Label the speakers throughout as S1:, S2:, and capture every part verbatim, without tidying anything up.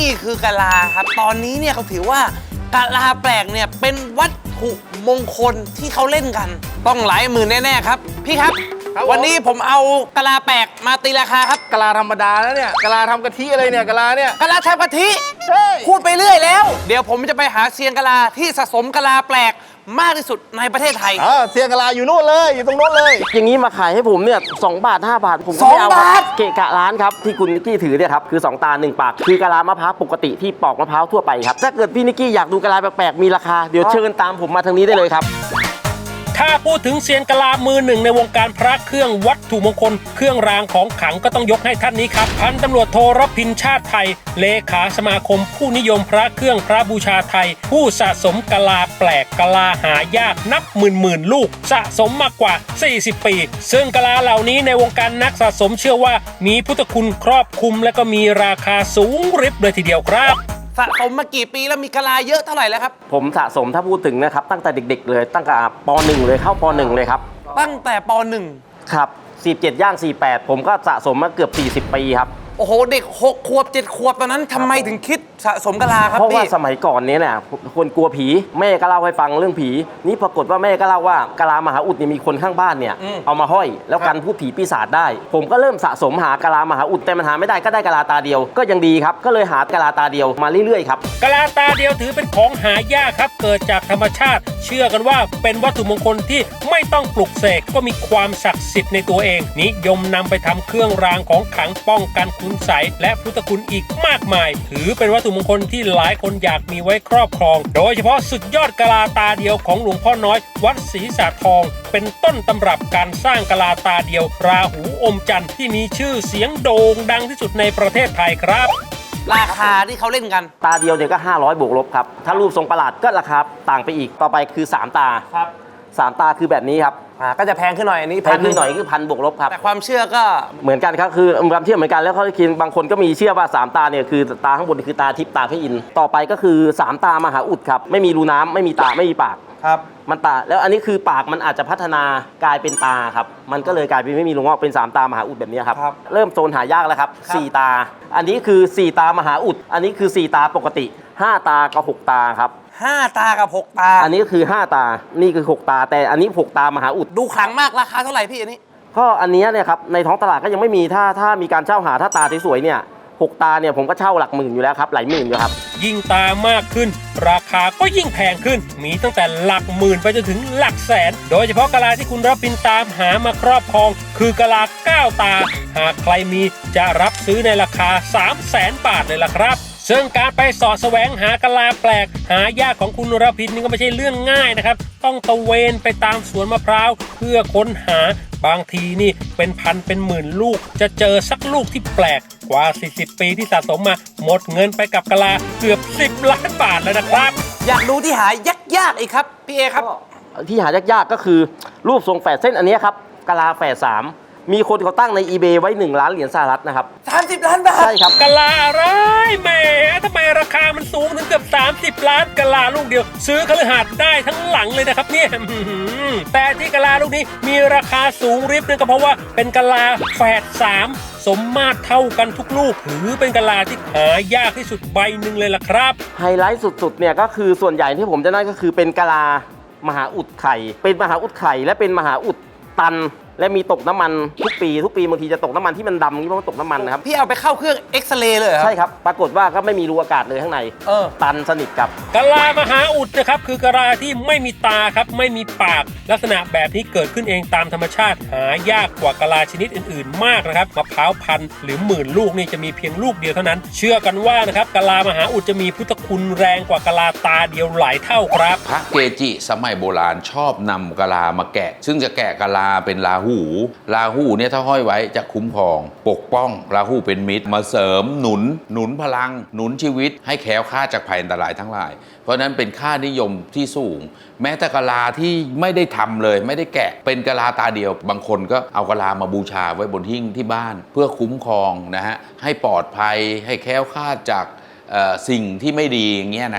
S1: นี่คือกะลาครับตอนนี้เนี่ยเขาถือว่ากะลาแปลกเนี่ยเป็นวัตถุมงคลที่เขาเล่นกันต้องหลายหมื่นแน่ๆครับพี่ครับวันนี้ผมเอากะลาแปลกมาตีราคาครับ
S2: กะลาธรรมดาแล้วเนี่ยกะลาทำกะทิอะไรเนี่ยกะลาเนี่ย
S1: กะลาทำกะทิพูดไปเรื่อยแล้วเดี๋ยวผมจะไปหาเซียนกะลาที่สะสมกะลาแปลกมากที่สุดในประเทศไทย
S2: อ่าเซียนกะลาอยู่นู่นเลยอยู่ตรงโน้นเลย
S3: อย่างนี้มาขายให้ผมเนี่ยสองบาทห้าบาทผมก็ไม่เอาครับเกะกะร้านครับที่คุณนิกกี้ถือเนี่ยครับคือสองตาหนึ่งปากคือกะลามะพร้าวปกติที่ปอกมะพร้าวทั่วไปครับถ้าเกิดพี่นิกกี้อยากดูกะลาแปลกๆมีราคาเดี๋ยวเชิญตามผมมาทางนี้ได้เลยครับ
S4: ถ้าพูดถึงเซียนกะลามือหนึ่งในวงการพระเครื่องวัตถุมงคลเครื่องรางของขลังก็ต้องยกให้ท่านนี้ครับพันตำรวจโทรพินชาติไทยเลขาสมาคมผู้นิยมพระเครื่องพระบูชาไทยผู้สะสมกะลาแปลกกะลาหายากนับหมื่นหมื่นลูกสะสมมากกว่าสี่สิบปีซึ่งกะลาเหล่านี้ในวงการนักสะสมเชื่อว่ามีพุทธคุณครอบคลุมและก็มีราคาสูงริบเลยทีเดียวครับ
S1: สะสมมากี่ปีแล้วมีกะลาเยอะเท่าไหร่แล้วครับ
S3: ผมสะสมถ้าพูดถึงนะครับตั้งแต่เด็กๆเลยตั้งแต่ป หนึ่งเลยเข้าป หนึ่งเลยครับ
S1: ตั้งแต่ป หนึ่ง
S3: ครับสี่สิบเจ็ดย่างสี่สิบแปดผมก็สะสมมาเกือบสี่สิบปีครับ
S1: โอ้โหเด็กหกขวบเจ็ดขวบตอนนั้นทำไมถึงคิดสะสมกะลาครับ
S3: เพราะว่าสมัยก่อนนี้เนี่ยคนกลัวผีแม่ก็เล่าให้ฟังเรื่องผีนี่ปรากฏว่าแม่ก็เล่าว่ากะลามหาอุดเนี่ยมีคนข้างบ้านเนี่ยเอามาห้อยแล้วกันพูดผีปีศาจได้ผมก็เริ่มสะสมหากะลามหาอุดแต่มันหาไม่ได้ก็ได้กะลาตาเดียวก็ยังดีครับก็เลยหากะลาตาเดียวมาเรื่อยๆครับ
S4: กะลาตาเดียวถือเป็นของหายากครับเกิดจากธรรมชาติเชื่อกันว่าเป็นวัตถุมงคลที่ไม่ต้องปลุกเสกก็มีความศักดิ์สิทธิ์ในตัวเองนิยมนำไปทำเครื่องรางของขลังป้องกันคุณไสยและพุทธคุณอีกมากมายถือเป็นวัตถุมงคลที่หลายคนอยากมีไว้ครอบครองโดยเฉพาะสุดยอดกะลาตาเดียวของหลวงพ่อน้อยวัดศรีสาทองเป็นต้นตำรับการสร้างกะลาตาเดียวราหูอมจันทร์ที่มีชื่อเสียงโด่งดังที่สุดในประเทศไทยครับ
S1: ราคาที่เขาเล่นกัน
S3: ตาเดียวเนี่ยก็ห้าร้อยบวกลบครับถ้ารูปทรงประหลาดก็ราคาต่างไปอีกต่อไปคือสามตา
S1: ครับ
S3: สามตาคือแบบนี้ครับ
S1: อ่าก็จะแพงขึ้นหน่อยอันนี้
S3: แพงขึ้นหน่อยคือพันบวกลบครับ
S1: แต่ความเชื่อก็
S3: เหมือนกันครับคือความเชื่อเหมือนกันแล้วเขาคิดบางคนก็มีเชื่อว่าสามตาเนี่ยคือตาข้างบนคือตาทิพย์ตาพระอินทร์ต่อไปก็คือสามตามหาอุดครับไม่มีรูน้ำไม่มีตาไม่มีปาก
S1: ครับ
S3: มันตาแล้วอันนี้คือปากมันอาจจะพัฒนากลายเป็นตาครับมันก็เลยกลายเป็นไม่มีรูงอกเป็นสามตามหาอุดแบบนี้ครับเริ่มโซนหายากแล้วครับสี่ตาอันนี้คือสี่ตามหาอุดอันนี้คือสี่ตาปกติห้าตากับหกตาครับ
S1: ห้าตากับหกตา
S3: อันนี้ก็คือห้าตานี่คือหกตาแต่อันนี้หกตามหาอุด
S1: ดูขลังมากราคาเท่าไหร่พี่อันนี้
S3: ก็อันนี้เนี่ยครับในท้องตลาดก็ยังไม่มีถ้าถ้ามีการเช่าหาถ้าตาสวยๆเนี่ยหกตาเนี่ยผมก็เช่าหลักหมื่นอยู่แล้วครับหลายหมื่นอยู่ครับ
S4: ยิ่งตามากขึ้นราคาก็ยิ่งแพงขึ้นมีตั้งแต่หลักหมื่นไปจนถึงหลักแสนโดยเฉพาะกะลาที่คุณรับบินตามหามาครอบครองคือกะลาเก้าตาหากใครมีจะรับซื้อในราคาสามแสนบาทเลยล่ะครับซึ่งการไปสอดแสวงหากะลาแปลกหายากของคุณรพินนี่ก็ไม่ใช่เรื่องง่ายนะครับต้องตะเวนไปตามสวนมะพร้าวเพื่อค้นหาบางทีนี่เป็นพันเป็นหมื่นลูกจะเจอสักลูกที่แปลกกว่าสี่สิบปีที่สะสมมาหมดเงินไปกับกะลาเกือบสิบล้านบาทแล้วนะครับ
S1: อยากดูที่หายากๆอีกครับพี่เอครับ
S3: ที่หายากๆก็คือรูปทรงแฝดเส้นอันนี้ครับกะลาแฝดสามมีคนเขาตั้งใน อีเบย์ ไว้หนึ่งล้านเหรียญสหรัฐนะครับ
S1: สามสิบล้านบาท
S3: ใช่ครับ
S4: กะลาอะไรแหมทำไมราคามันสูงถึงเกือบสามสิบล้านกะลาลูกเดียวซื้อคฤหาสน์ได้ทั้งหลังเลยนะครับเนี่ยแต่ที่กะลาลูกนี้มีราคาสูงริบเนี่ยก็เพราะว่าเป็นกะลาแฝดสามสมมาตรเท่ากันทุกลูกถือเป็นกะลาที่หายากที่สุดใบหนึ่งเลยล่ะครับ
S3: ไฮไลท์สุดๆเนี่ยก็คือส่วนใหญ่ที่ผมจะได้ก็คือเป็นกะลามหาอุดไข่เป็นมหาอุดไข่และเป็นมหาอุดตันและมีตกน้ำมันทุกปีทุกปีบางทีจะตกน้ำมันที่มันดำนี่เพราะมันตกน้ำมันนะครับ
S1: พี่เอาไปเข้าเครื่องเอ็กซเรย์เลยครับ
S3: ใช่ครับปรากฏว่าก็ไม่มีรูอากาศเลยข้างใน
S1: เออ
S3: ตันสนิทครับ
S4: กะลามหาอุดนะครับคือกะลาที่ไม่มีตาครับไม่มีปากลักษณะแบบนี้เกิดขึ้นเองตามธรรมชาติหายากกว่ากะลาชนิดอื่นๆมากนะครับมะพร้าวพันธุ์หรือหมื่นลูกนี่จะมีเพียงลูกเดียวเท่านั้นเชื่อกันว่านะครับกะลามหาอุดจะมีพุทธคุณแรงกว่ากะลาตาเดียวหลายเท่าครับ
S5: พระเกจิสมัยโบราณชอบนำกะลามาแกะซึ่งจะแกะกะลาเป็นราหูราหูเนี่ยถ้าห้อยไว้จะคุ้มครองปกป้องราหูเป็นมิตรมาเสริมหนุนหนุนพลังหนุนชีวิตให้แคล้วคลาดจากภัยอันตรายทั้งหลายเพราะนั้นเป็นค่านิยมที่สูงแม้แต่กะลาที่ไม่ได้ทำเลยไม่ได้แกะเป็นกะลาตาเดียวบางคนก็เอากะลามาบูชาไว้บนหิ้งที่บ้านเพื่อคุ้มครองนะฮะให้ปลอดภัยให้แคล้วคลาดจากสิ่งที่ไม่ดีอย่างเงี้ยนะครับ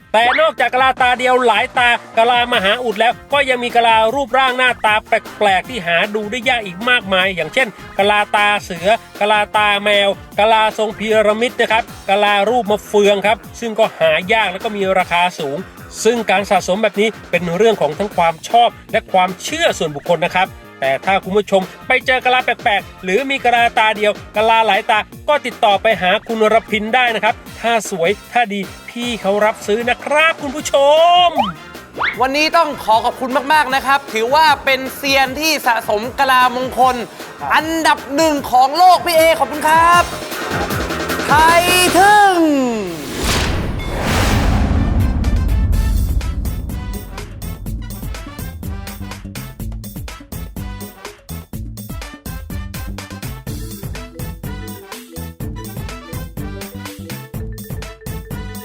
S4: แต่นอกจากกะลาตาเดียวหลายตากะลามหาอุดแล้วก็ยังมีกะลารูปร่างหน้าตาแปลกๆที่หาดูได้ยากอีกมากมาย อย่างเช่นกะลาตาเสือกะลาตาแมวกะลาทรงพีระมิดนะครับกะลารูปมะเฟืองครับซึ่งก็หายากแล้วก็มีราคาสูง ซึ่งการสะสมแบบนี้เป็นเรื่องของทั้งความชอบและความเชื่อส่วนบุคคลนะครับแต่ถ้าคุณผู้ชมไปเจอกะลาแปลกๆหรือมีกะลาตาเดียวกะลาหลายตาก็ติดต่อไปหาคุณรพินได้นะครับถ้าสวยถ้าดีพี่เขารับซื้อนะครับคุณผู้ชม
S1: วันนี้ต้องขอขอบคุณมาก ๆ นะครับ ถือว่าเป็นเซียนที่สะสมกะลามงคล อันดับหนึ่งของโลกพี่เอขอบคุณครับ ไทยทึ่ง